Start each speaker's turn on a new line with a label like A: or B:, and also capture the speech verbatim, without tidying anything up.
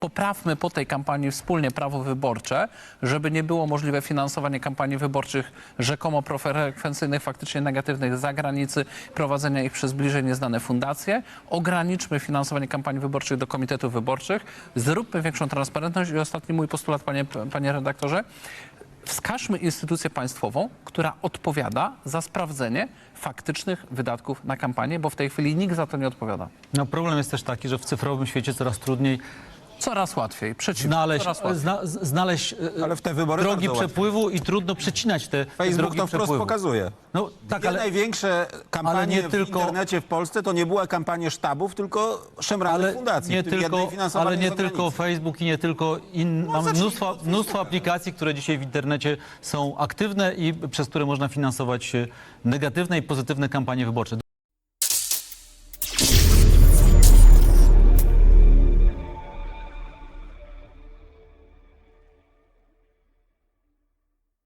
A: poprawmy po tej kampanii wspólnie prawo wyborcze, żeby nie było możliwe finansowanie kampanii wyborczych rzekomo profrekwencyjnych, faktycznie negatywnych z zagranicy, prowadzenia ich przez bliżej nieznane fundacje. Ograniczmy finansowanie kampanii wyborczych do komitetów wyborczych, zróbmy większą transparentność i ostatni mój postulat, panie, panie redaktorze, wskażmy instytucję państwową, która odpowiada za sprawdzenie faktycznych wydatków na kampanię, bo w tej chwili nikt za to nie odpowiada.
B: No, problem jest też taki, że w cyfrowym świecie coraz trudniej
A: Coraz łatwiej, przeciwnie,
B: znaleźć,
A: coraz łatwiej.
B: zna, znaleźć e,
C: Ale w te wybory
B: drogi
C: bardzo
B: przepływu i trudno przecinać te, te
C: Facebook
B: drogi
C: to wprost
B: przepływu.
C: pokazuje.
B: No tak,
C: Dwie
B: ale
C: największe kampanie
B: nie
C: w
B: tylko-
C: internecie w Polsce to nie były kampanie sztabów, tylko szemranych
B: ale
C: fundacji.
B: nie
C: w tym
B: tylko,
C: jednej finansowanej
B: ale nie
C: z
B: tylko
C: zagranicy.
B: Facebook i nie tylko in, mamy
C: zacznijmy
B: mnóstwo,
C: od
B: mnóstwo
C: Facebooka.
B: aplikacji, które dzisiaj w internecie są aktywne i przez które można finansować e, negatywne i pozytywne kampanie wyborcze.